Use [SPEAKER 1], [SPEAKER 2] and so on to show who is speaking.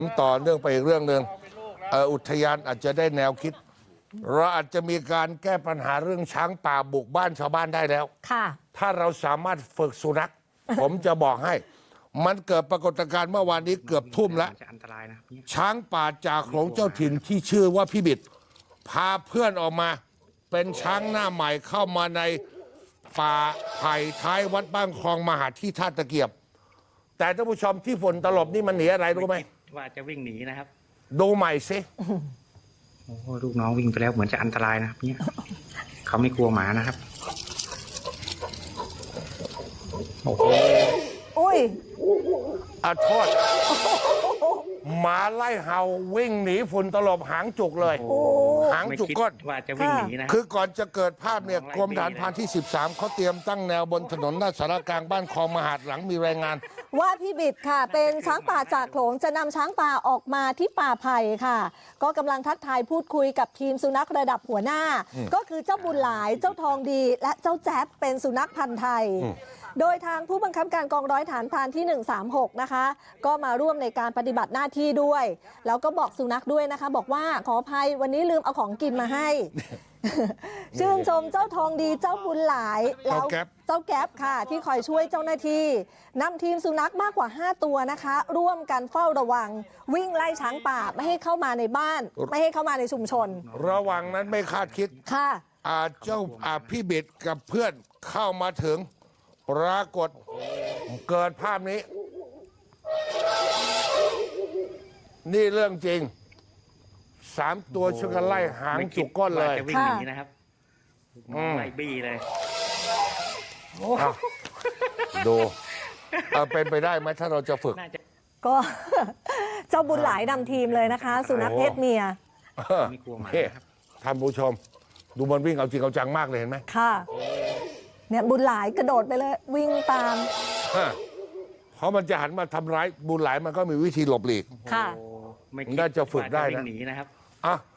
[SPEAKER 1] ต่อเนื่องไปอีกเรื่องหนึ่งอุทยานอาจจะได้แนวคิดเราอาจจะมีการแก้ปัญหาเรื่องช้างป่าบุกบ้านชาวบ้านได้แล้ว
[SPEAKER 2] ค่ะ
[SPEAKER 1] ถ้าเราสามารถฝึกสุนัข ผมจะบอกให้ มันเกิดปรากฏการณ์เมื่อวานนี้เกือบทุ่มแล้วช้างป่าจากของเจ้าถิ่นที่ชื่อว่าพี่บิดพาเพื่อนออกมา เป็นช้างหน้าใหม่เข้ามาในป่าไผ่ท้ายวัดบ้านคลองมหาที่ท่าตะเกียบ แต่ท่านผู้ชมที่ฝนตลบนี่มันหนีอะไรรู้ไหม
[SPEAKER 3] ว่าจะวิ่งหนีนะครับ
[SPEAKER 1] ดูใหม่สิ
[SPEAKER 3] โอ้ลูกน้องวิ่งไปแล้วเหมือนจะอันตรายนะครับเนี่ยเขาไม่กลัวหมานะครับโอ้โห
[SPEAKER 2] อุ้ย
[SPEAKER 1] โทษหมาไล่เห่าวิ่งหนีฝุ่นตลบหางจุกเลยหางจุกก้น
[SPEAKER 3] ว่าจะวิ่งหนีนะ
[SPEAKER 1] คือก่อนจะเกิดภาพเนี่ยกรมฐานพรานที่13เขาเตรียมตั้งแนวบนถนนหน้าสารกลางบ้านคลองมหาดหลังมีรายงาน
[SPEAKER 2] ว่าพี่บิดค่ะเป็นช้างป่าจากโขลงจะนำช้างป่าออกมาที่ป่าไผ่ค่ะก็กำลังทักทายพูดคุยกับทีมสุนัขระดับหัวหน้าก็คือเจ้าบุญหลายเจ้าทองดีและเจ้าแจ๊บเป็นสุนัขพันธุ์ไทยโดยทางผู้บังคับการกองร้อยฐานพรานที่136นะคะก็มาร่วมในการปฏิบัติหน้าที่ด้วยแล้วก็บอกสุนัขด้วยนะคะบอกว่าขออภัยวันนี้ลืมเอาของกินมาให้ชื่นชมเจ้าทองดีเจ้าบุญหลายแล้วเจ้าแก๊ปค่ะที่คอยช่วยเจ้าหน้าที่นำทีมสุนัขมากกว่า5ตัวนะคะร่วมกันเฝ้าระวังวิ่งไล่ช้างป่าไม่ให้เข้ามาในบ้านไม่ให้เข้ามาในชุมชน
[SPEAKER 1] ระวังนั้นไม่คาดคิด
[SPEAKER 2] ค่ะ
[SPEAKER 1] เจ้าพี่บิดกับเพื่อนเข้ามาถึงปรากฏเกิดภาพนี้นี่เรื่องจริง3ตัวช่วยกันไล่หางจุกก้นเลย
[SPEAKER 3] จะวิ่งหนีนะครับไล่บี้เลย
[SPEAKER 1] ดูเป็นไปได้ไหมถ้าเราจะฝึก
[SPEAKER 2] ก็เจ้าบุญหลายนำทีมเลยนะคะสุนัขเพศเมีย
[SPEAKER 3] ไม่กลัวหมาครับ
[SPEAKER 1] ท่านผู้ชมดูมันวิ่งเอาจริงเอาจังมากเลยเห็นไหม
[SPEAKER 2] ค่ะเนี่ยบุญหลายกระโดดไปเลยวิ่งตาม
[SPEAKER 1] เพราะมันจะหันมาทำร้ายบุญหลายมันก็มีวิธีหลบหลีก
[SPEAKER 2] ค่ะ
[SPEAKER 1] น่าจะฝึกได้นะ
[SPEAKER 3] หนีนะครับ